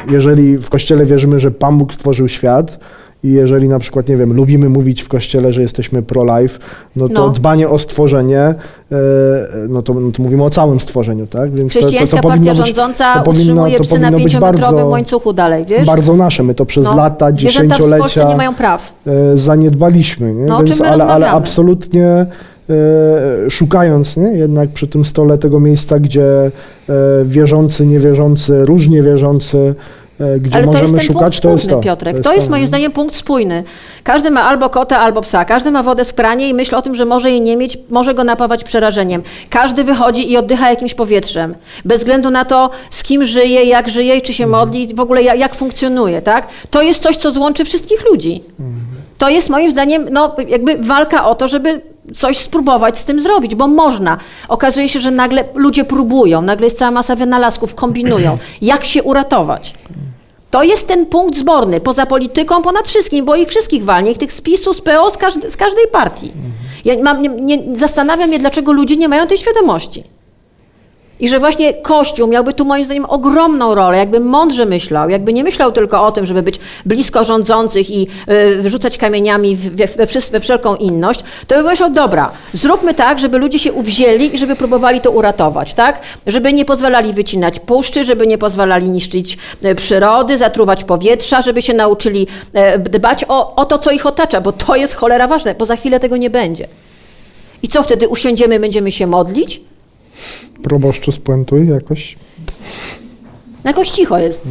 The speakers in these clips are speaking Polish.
jeżeli w Kościele wierzymy, że Pan Bóg stworzył świat i jeżeli na przykład, nie wiem, lubimy mówić w Kościele, że jesteśmy pro-life, no to dbanie o stworzenie, no to mówimy o całym stworzeniu, tak? Więc chrześcijańska partia rządząca utrzymuje psy na 5-metrowym łańcuchu dalej, wiesz? Bardzo nasze, my to przez lata, dziesięciolecia w Polsce nie mają praw. Zaniedbaliśmy, nie? No, o czym my rozmawiamy? Ale absolutnie szukając, nie? Jednak przy tym stole tego miejsca, gdzie wierzący, niewierzący, różnie wierzący, gdzie ale możemy to jest ten szukać, punkt spójny, Piotrek. To jest moim zdaniem punkt spójny. Każdy ma albo kota, albo psa. Każdy ma wodę w kranie i myśli o tym, że może jej nie mieć, może go napawać przerażeniem. Każdy wychodzi i oddycha jakimś powietrzem. Bez względu na to, z kim żyje, jak żyje, czy się modli, w ogóle jak funkcjonuje, tak? To jest coś, co złączy wszystkich ludzi. To jest moim zdaniem, no, jakby walka o to, żeby coś spróbować z tym zrobić, bo można. Okazuje się, że nagle ludzie próbują, nagle jest cała masa wynalazków, kombinują. Jak się uratować? To jest ten punkt zborny, poza polityką, ponad wszystkim, bo ich wszystkich walnie, ich tych z PiS-u, z PO, z każdej partii. Zastanawiam się, dlaczego ludzie nie mają tej świadomości. I że właśnie Kościół miałby tu moim zdaniem ogromną rolę, jakby mądrze myślał, jakby nie myślał tylko o tym, żeby być blisko rządzących i wyrzucać kamieniami we wszelką inność, to by myślał, dobra, zróbmy tak, żeby ludzie się uwzięli i żeby próbowali to uratować, tak? Żeby nie pozwalali wycinać puszczy, żeby nie pozwalali niszczyć przyrody, zatruwać powietrza, żeby się nauczyli dbać o to, co ich otacza, bo to jest cholera ważne, bo za chwilę tego nie będzie. I co wtedy, usiądziemy, będziemy się modlić? Proboszczu, spuentuj jakoś. Jakoś cicho jest.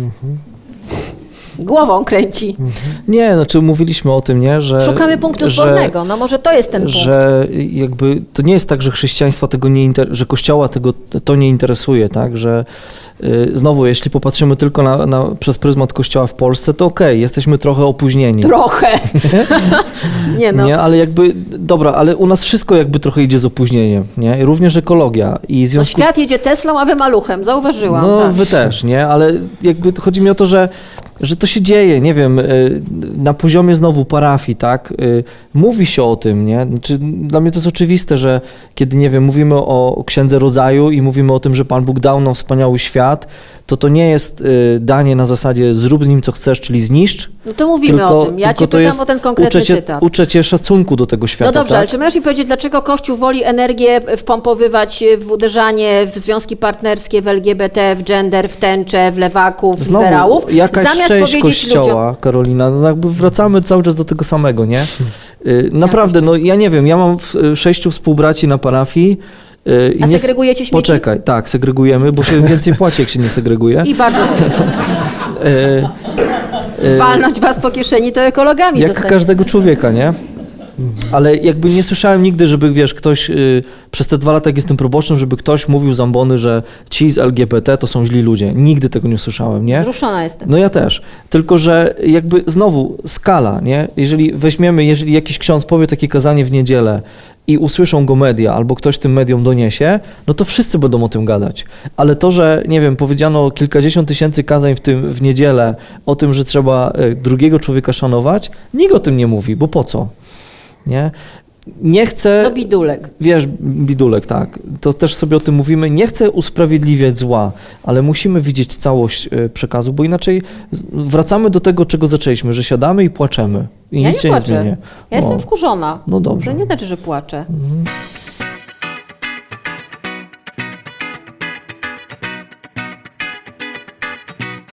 Głową kręci. Nie, znaczy mówiliśmy o tym, nie, że... Szukamy punktu zbornego, no może to jest ten punkt. Że jakby to nie jest tak, że chrześcijaństwa tego nie że Kościoła to nie interesuje, tak, że znowu, jeśli popatrzymy tylko przez pryzmat Kościoła w Polsce, to okej, jesteśmy trochę opóźnieni. Trochę. Nie no. Nie, ale jakby, dobra, ale u nas wszystko jakby trochę idzie z opóźnieniem, nie? Również ekologia. I w związku świat jedzie Teslą, a wy maluchem, zauważyłam. No tak. wy też, nie? Ale jakby chodzi mi o to, że to się dzieje, nie wiem, na poziomie znowu parafii, tak? Mówi się o tym, nie? Znaczy, dla mnie to jest oczywiste, że kiedy, nie wiem, mówimy o Księdze Rodzaju i mówimy o tym, że Pan Bóg dał nam wspaniały świat, to nie jest danie na zasadzie zrób z nim co chcesz, czyli zniszcz. No to mówimy o tym. Ja cię pytam o ten konkretny cytat. Uczę cię szacunku do tego świata. No dobrze, tak? ale czy możesz mi powiedzieć, dlaczego Kościół woli energię wpompowywać w uderzanie w związki partnerskie, w LGBT, w gender, w tęczę, w lewaków, w liberałów? Jakaś zamiast część powiedzieć Kościoła, ludziom... Karolina, no jakby wracamy cały czas do tego samego, nie? Naprawdę, no ja nie wiem, ja mam 6 współbraci na parafii. A segregujecie śmieci? Poczekaj, tak, segregujemy, bo się więcej płaci, jak się nie segreguje. I bardzo walnąć was po kieszeni, to ekologami jak zostanie. Każdego człowieka, nie? Ale jakby nie słyszałem nigdy, żeby, wiesz, ktoś przez te 2 lata, jak jestem proboszczem, żeby ktoś mówił z ambony, że ci z LGBT to są źli ludzie. Nigdy tego nie słyszałem, nie? Wzruszona jestem. No ja też. Tylko, że jakby znowu skala, nie? Jeżeli jakiś ksiądz powie takie kazanie w niedzielę i usłyszą go media, albo ktoś tym mediom doniesie, no to wszyscy będą o tym gadać. Ale to, że, nie wiem, powiedziano kilkadziesiąt tysięcy kazań w niedzielę o tym, że trzeba drugiego człowieka szanować, nikt o tym nie mówi, bo po co? Nie chcę... To bidulek. Wiesz, bidulek, tak. To też sobie o tym mówimy. Nie chcę usprawiedliwiać zła, ale musimy widzieć całość przekazu, bo inaczej wracamy do tego, czego zaczęliśmy, że siadamy i płaczemy. I Ja nic nie się nie płaczę. zmieni. Ja jestem wkurzona. No dobrze. To nie znaczy, że płaczę.